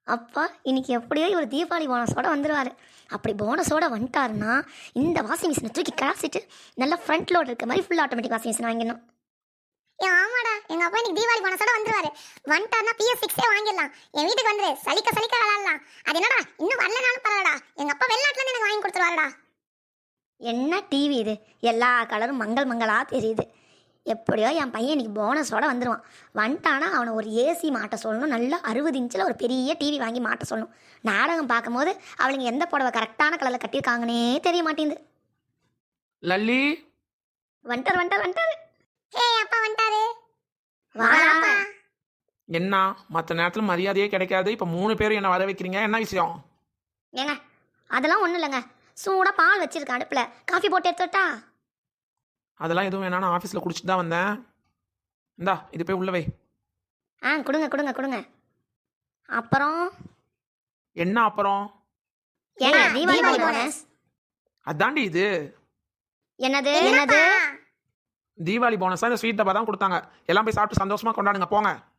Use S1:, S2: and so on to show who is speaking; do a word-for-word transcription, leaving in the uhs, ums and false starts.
S1: அப்பா இன்னைக்கு எப்படியோ இவர் தீபாவளி போனஸோட வந்துடுவார். அப்படி போனஸோட வந்துட்டாருன்னா இந்த வாஷிங் மிஷினை தூக்கி கிளாசிட்டு நல்லா ஃப்ரண்ட் லோட் இருக்க மாதிரி ஃபுல் ஆட்டோமேட்டிக் வாஷிங் மிஷின் வாங்கிடணும்.
S2: ஏ ஆமாடா, எங்க அப்பா இன்னைக்கு தீபாவளி போனஸோட வந்துருவாரு. வந்துட்டாருன்னா பிஎஸ் சிக்ஸே வாங்கிடலாம். என் வீட்டுக்கு வந்துரு, சலிக்க சலிக்க விளாடலாம். அது என்னடா இன்னும் வரலனாலும் பரவாடா, எங்க அப்பா வெளிநாட்டுல இருந்து எனக்கு வாங்கி கொடுத்துருவாருடா.
S1: என்ன டிவி இது, எல்லா கலரும் மங்கள் மங்களா தெரியுது. எப்படியோ என் பையன் இன்னைக்கு போனஸோட வந்துடுவான். வந்துட்டானா அவனை ஒரு ஏசி மாட்ட சொல்லணும், நல்லா அறுபது இன்ச்சில் ஒரு பெரிய டிவி வாங்கி மாட்ட சொல்லணும். நாடகம் பார்க்கும்போது அவளுங்க எந்த புடவை கரெக்டான கலரில் கட்டியிருக்காங்கன்னே தெரிய மாட்டேங்குது.
S3: லல்லி
S1: வந்துட்டார் வந்துட்டார் வந்துட்டாரு.
S2: ஹே அப்பா வந்துட்டாரு.
S1: வாப்பா.
S3: என்ன மற்ற நேரத்தில் மரியாதையே கிடைக்காது, இப்போ மூணு பேரும் என்ன வர வைக்கிறீங்க, என்ன விஷயம்?
S1: ஏங்க அதெல்லாம் ஒன்றும் இல்லைங்க, சூடாக பால் வச்சிருக்கேன் அடுப்பில், காஃபி போட்டு எடுத்துட்டா?
S3: அதெல்லாம் எதுவும் வேணா, நான் ஆஃபீஸில் குடிச்சிட்டு தான் வந்தேன். இந்தா இது போய் உள்ள வை.
S1: ஆ கொடுங்க கொடுங்க கொடுங்க. அப்புறம்
S3: என்ன அப்புறம்?
S1: ஏங்க
S2: ஆ,
S1: தீபாவளி
S2: தீபாவளி
S1: போனஸ்.
S3: அதாண்டி இது
S1: என்னது
S2: என்னது?
S1: என்னது?
S3: தீபாவளி போனஸாக இந்த ஸ்வீட் டப்பா தான் கொடுத்தாங்க. எல்லாம் போய் சாப்பிட்டு சந்தோஷமா கொண்டாடுங்க போங்க.